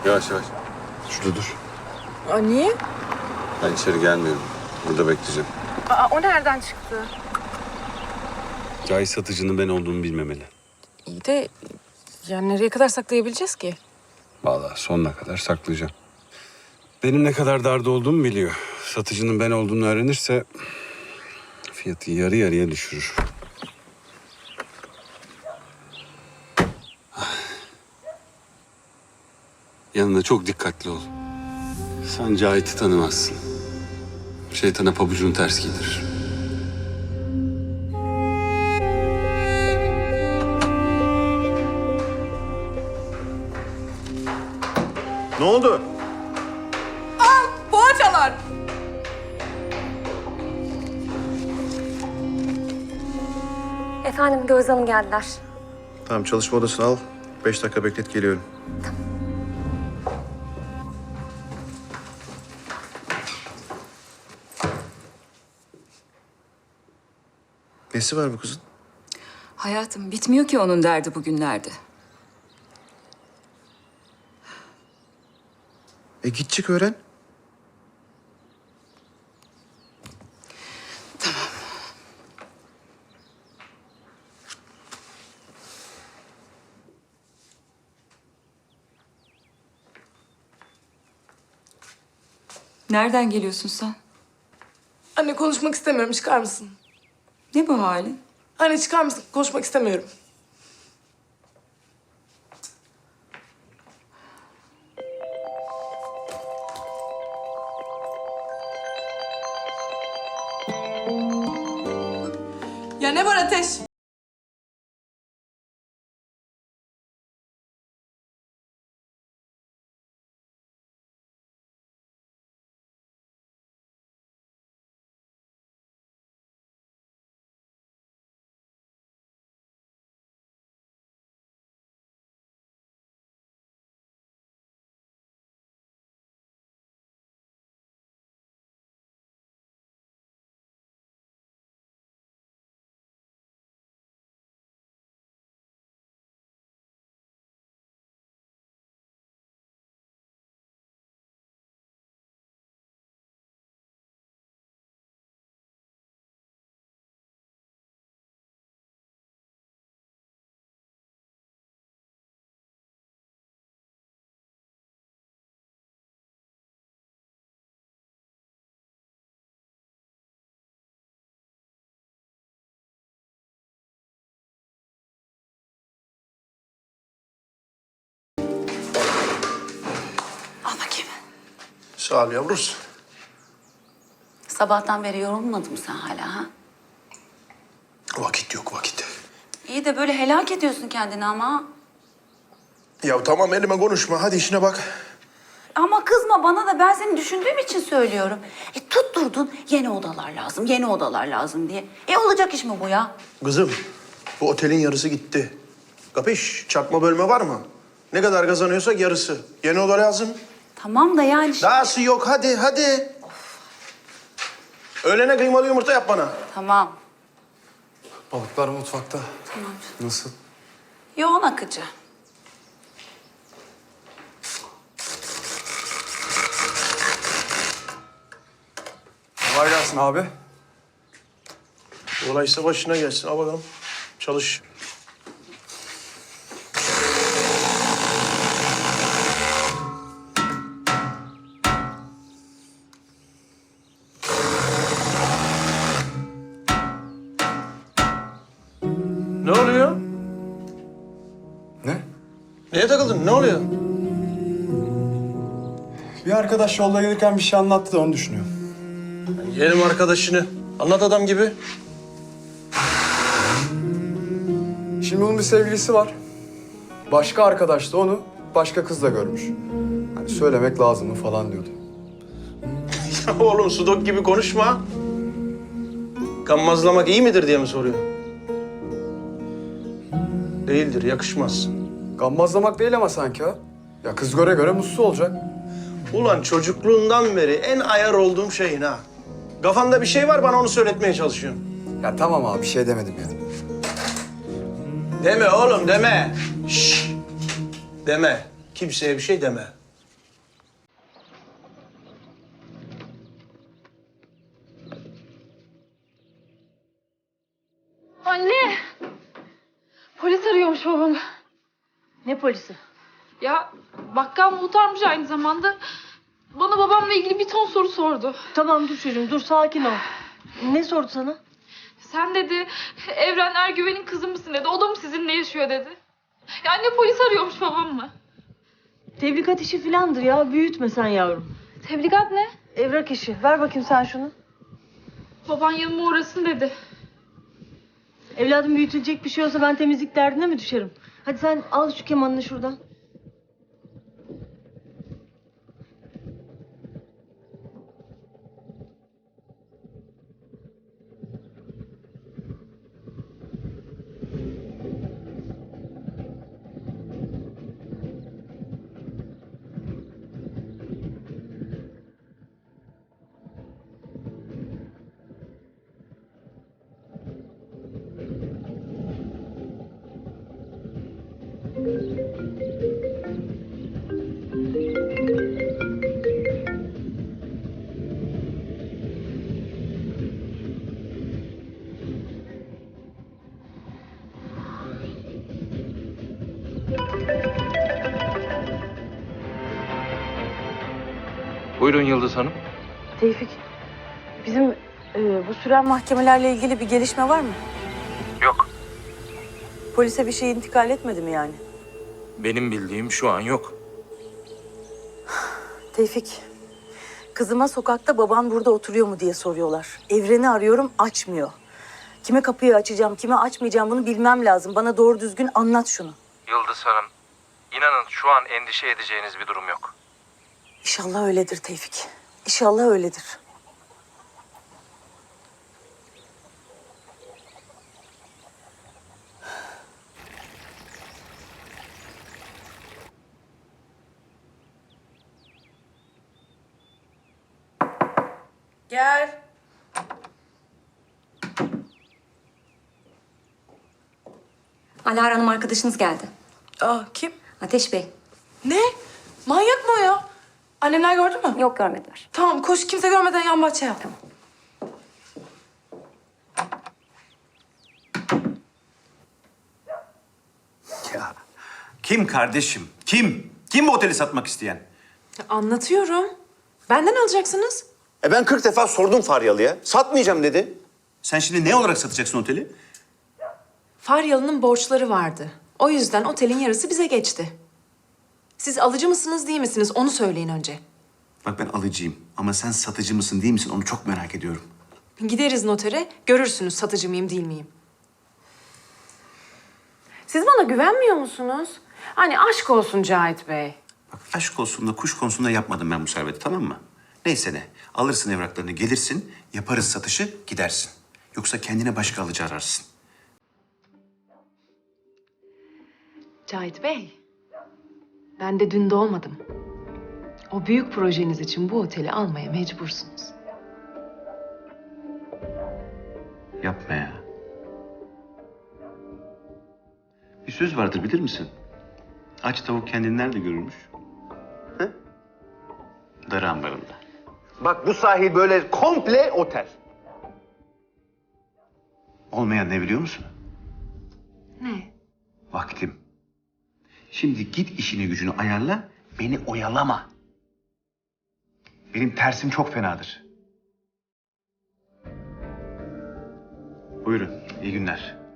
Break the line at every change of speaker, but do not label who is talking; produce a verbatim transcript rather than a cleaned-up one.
Yavaş yavaş. Şurada dur.
Aa, niye?
Ben içeri gelmiyorum. Burada bekleyeceğim.
Aa, o nereden çıktı?
Cahit satıcının ben olduğumu bilmemeli.
İyi de yani nereye kadar saklayabileceğiz ki?
Vallahi sonuna kadar saklayacağım. Benim ne kadar darda olduğumu biliyor. Satıcının ben olduğunu öğrenirse fiyatı yarı yarıya düşürür. Yanında çok dikkatli ol. Sen Cahit'i tanımazsın. Şeytana pabucunu ters giydirir.
Ne oldu?
Poğaçalar!
Efendim Gözde Hanım geldiler.
Tamam, çalışma odasını al. Beş dakika beklet, geliyorum. Nesi var bu kızın?
Hayatım bitmiyor ki onun derdi bugünlerde.
E git çık öğren.
Nereden geliyorsun sen?
Anne konuşmak istemiyorum. Çıkar mısın?
Ne bu halin?
Anne çıkar mısın? Konuşmak istemiyorum. Ya ne var Ateş?
Al bakayım.
Sağ ol yavrus.
Sabahtan beri yorulmadın mı sen hala ha?
Vakit yok, vakit.
İyi de böyle helak ediyorsun kendini ama.
Ya tamam, elime konuşma. Hadi işine bak.
Ama kızma bana da, ben seni düşündüğüm için söylüyorum. E tutturdun yeni odalar lazım, yeni odalar lazım diye. E olacak iş mi bu ya?
Kızım, bu otelin yarısı gitti. Kapış, çakma bölme var mı? Ne kadar kazanıyorsak yarısı. Yeni oda lazım.
Tamam da yani...
Dahası yok, hadi, hadi. Öğlene kıymalı yumurta yap bana.
Tamam.
Balıklar mutfakta.
Tamam.
Nasıl?
Yoğun akıcı.
Kolay gelsin abi.
Olaysa başına gelsin. Al bakalım. Çalış. Ne oluyor?
Ne?
Neye takıldın? Ne oluyor?
Bir arkadaş yolda gelirken bir şey anlattı da onu düşünüyorum.
Yeğenim arkadaşını. Anlat adam gibi.
Şimdi onun bir sevgilisi var. Başka arkadaş da onu başka kızla görmüş. Hani söylemek lazım mı falan diyordu.
Oğlum sudok gibi konuşma. Gammazlamak iyi midir diye mi soruyor? Değildir, yakışmaz.
Gammazlamak değil ama sanki ha. Ya kız göre göre mutsuz olacak.
Ulan çocukluğundan beri en ayar olduğum şeyin ha. Kafanda bir şey var, bana onu söyletmeye çalışıyorsun.
Ya tamam abi, bir şey demedim yani.
Deme oğlum, deme. Şşş. Deme. Kimseye bir şey deme.
Ne polisi?
Ya bakkal muhtarmış aynı zamanda. Bana babamla ilgili bir ton soru sordu.
Tamam dur çocuğum dur sakin ol. Ne sordu sana?
Sen dedi Evren Ergüven'in kızı mısın dedi. O da mı sizinle yaşıyor dedi. Ya anne polis arıyormuş babam mı?
Tebligat işi filandır ya. Büyütme sen yavrum.
Tebligat ne?
Evrak işi. Ver bakayım sen şunu.
Baban yanıma uğrasın dedi.
Evladım büyütülecek bir şey olsa ben temizlik derdine mi düşerim? Hadi sen al şu kemanını şuradan.
Buyurun Yıldız Hanım.
Tevfik, bizim e, bu süren mahkemelerle ilgili bir gelişme var mı?
Yok.
Polise bir şey intikal etmedi mi yani?
Benim bildiğim şu an yok.
Tevfik, kızıma sokakta baban burada oturuyor mu diye soruyorlar. Evren'i arıyorum, açmıyor. Kime kapıyı açacağım, kime açmayacağım bunu bilmem lazım. Bana doğru düzgün anlat şunu.
Yıldız Hanım, inanın şu an endişe edeceğiniz bir durum yok.
İnşallah öyledir Tevfik. İnşallah öyledir. Gel.
Alara Hanım arkadaşınız geldi.
Aa, kim?
Ateş Bey.
Ne? Manyak mı o ya? Annemler gördü mü?
Yok görmediler.
Tamam koş kimse görmeden yan bahçeye yap.
Ya kim kardeşim? Kim? Kim bu oteli satmak isteyen?
Anlatıyorum. Benden alacaksınız.
E ben kırk defa sordum Faryalı'ya. Satmayacağım dedi.
Sen şimdi ne olarak satacaksın oteli?
Faryalı'nın borçları vardı. O yüzden otelin yarısı bize geçti. Siz alıcı mısınız değil misiniz onu söyleyin önce.
Bak ben alıcıyım ama sen satıcı mısın değil misin onu çok merak ediyorum.
Gideriz notere, görürsünüz satıcı mıyım değil miyim? Siz bana güvenmiyor musunuz? Hani aşk olsun Cahit Bey.
Bak aşk olsun da kuş konusunda yapmadım ben bu serveti, tamam mı? Neyse ne, alırsın evraklarını, gelirsin, yaparız satışı, gidersin. Yoksa kendine başka alıcı ararsın.
Cahit Bey, ben de dün doğmadım. O büyük projeniz için bu oteli almaya mecbursunuz.
Yapma ya. Bir söz vardır bilir misin? Aç tavuk kendini nerede görürmüş? He? Darı ambarında.
Bak bu sahil böyle komple otel.
Olmayan ne biliyor musun?
Ne?
Vaktim. Şimdi git işini gücünü ayarla, beni oyalama. Benim tersim çok fenadır. Buyurun, iyi günler.